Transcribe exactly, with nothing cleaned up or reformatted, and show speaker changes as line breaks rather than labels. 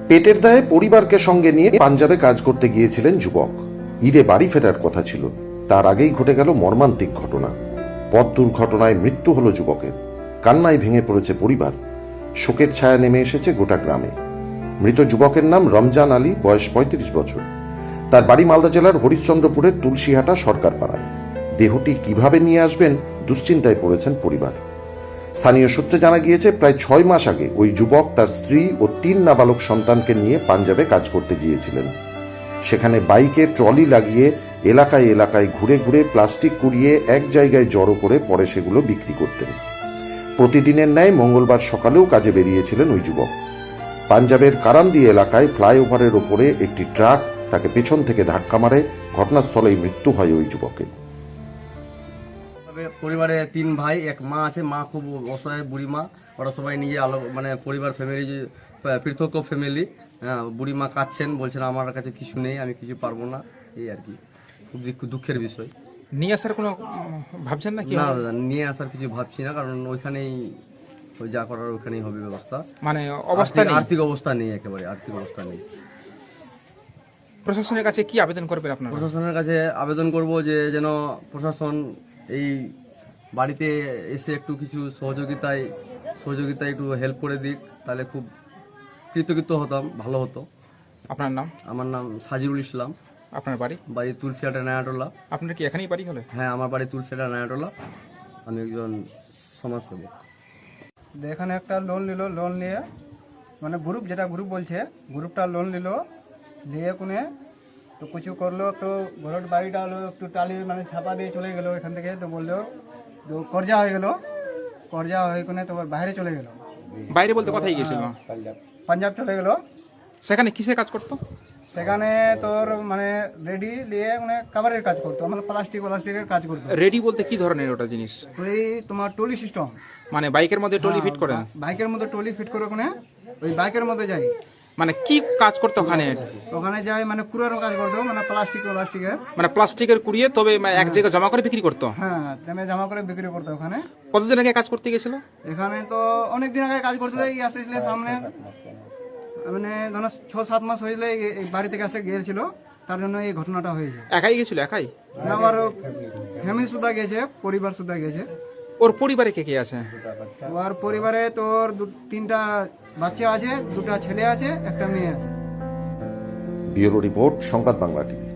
পেটের দায়ে পরিবারকে সঙ্গে নিয়ে পাঞ্জাবে কাজ করতে গিয়েছিলেন যুবক। ঈদে বাড়ি ফেরার কথা ছিল, তার আগেই ঘটে গেল মর্মান্তিক ঘটনা। পথ দুর্ঘটনায় মৃত্যু হলো যুবকের। কান্নায় ভেঙে পড়েছে পরিবার। শোকের ছায়া নেমে এসেছে গোটা গ্রামে। মৃত যুবকের নাম রমজান আলী, বয়স পঁয়ত্রিশ বছর। তার বাড়ি মালদা জেলার হরিশ্চন্দ্রপুরের তুলসীহাটা সরকার পাড়ায়। দেহটি কিভাবে নিয়ে আসবেন দুশ্চিন্তায় পড়েছেন পরিবার। স্থানীয় সূত্রে জানা গিয়েছে, প্রায় ছয় মাস আগে ওই যুবক তার স্ত্রী ও তিন নাবালক সন্তানকে নিয়ে পাঞ্জাবে কাজ করতে গিয়েছিলেন। সেখানে বাইকে ট্রলি লাগিয়ে এলাকায় এলাকায় ঘুরে ঘুরে প্লাস্টিক কুড়িয়ে এক জায়গায় জড়ো করে পরে সেগুলো বিক্রি করতেন। প্রতিদিনের ন্যায় মঙ্গলবার সকালেও কাজে বেরিয়েছিলেন ওই যুবক। পাঞ্জাবের কারান্দি এলাকায় ফ্লাইওভারের ওপরে একটি ট্রাক তাকে পেছন থেকে ধাক্কা মারে। ঘটনাস্থলেই মৃত্যু হয় ওই যুবকের।
পরিবারে তিন ভাই, এক মা আছে। মা খুব অসহায়, বুড়ি মা। ওরা সবাই নিজে আলো মানে পরিবার ফ্যামিলি পৃথক ফ্যামিলি। হ্যাঁ, বুড়ি মা কাঁদছেন, বলছেন আমার কাছে কিছু নেই, আমি কিছু পারবো না, এই আর কি। খুব দুঃখের বিষয়।
নিয়ে আসার কোনো ভাবছেন না কি?
না দাদা, নিয়ে আসার কিছু ভাবছি না, কারণ ওইখানেই ওই যা করার ওইখানেই হবে ব্যবস্থা।
মানে অবস্থা নেই,
আর্থিক অবস্থা নেই, একেবারে আর্থিক অবস্থা নেই।
প্রশাসনের কাছে কি আবেদন করবেন আপনারা?
প্রশাসনের কাছে আবেদন করব যে যেন প্রশাসন এই বাড়িতে এসে একটু কিছু সহযোগিতায় সহযোগিতায় একটু হেল্প করে দিক, তাহলে খুব কৃতজ্ঞ হতাম, ভালো হতো।
আপনার নাম?
আমার নাম সাজিরুল ইসলাম।
আপনার বাড়ি?
বাড়ি তুলসিহাটা নায়াটোলা।
আপনার কি এখানেই বাড়ি হলে?
হ্যাঁ, আমার বাড়ি তুলসিহাটা নায়াটোলা। আমি একজন সমাজসেবক।
এখানে একটা লোন নিল, লোন নিয়ে মানে গ্রুপ, যেটা গ্রুপ বলছে, গ্রুপটা লোন নিল, নিয়ে কোনে তো কিছু করলো, একটু ঘরের বাড়িটা হলো একটু টালি মানে ছাপা দিয়ে চলে গেলো এখান থেকে। তো বললো তো কর্জা হয়ে গেল, কর্জা হয়ে কোনে তোমার বাইরে চলে গেল।
বাইরে বলতে কোথায় গিয়েছিল?
পাঞ্জাব চলে গেল।
সেখানে কিসের কাজ করতো?
সেখানে তোর মানে রেডি নিয়ে মানে কাভারের কাজ করতো, মানে প্লাস্টিক প্লাস্টিকের কাজ করতো।
রেডি বলতে কি ধরনের ওটা জিনিস?
ওই তোমার টলি সিস্টেম,
মানে বাইকের মধ্যে টলি ফিট করে?
বাইকের মধ্যে টলি ফিট করে ওখানে ওই বাইকের মধ্যে যাই।
মানে কি কাজ করতো ওখানে?
ওখানে যাই মানে কুড়ানোর কাজ করতো, মানে প্লাস্টিক প্লাস্টিকের
মানে প্লাস্টিকের কুড়িয়ে তবে এক জায়গায় জমা করে বিক্রি করতো?
হ্যাঁ, তেমনি জমা করে বিক্রি করতো ওখানে।
কতদিন আগে কাজ করতে গেছিল?
এখানে তো অনেক দিন আগে কাজ করতে এই আসছিল সামনে, মানে ধরো ছ সাত মাস হয়েছিল এই বাড়ি থেকে আসে গিয়েছিল, তার জন্য এই ঘটনাটা হয়েছে।
একাই গেছিল? একাই?
আবার ফ্যামিলি সুদ্ধা গেছে, পরিবার সুদ্ধা গেছে।
ওর পরিবারে কে কে আছে?
ওর পরিবারে তোর তিনটা বাচ্চা আছে, দুটা ছেলে আছে, একটা মেয়ে আছে।
ব্যুরো রিপোর্ট, সংবাদ বাংলা টিভি।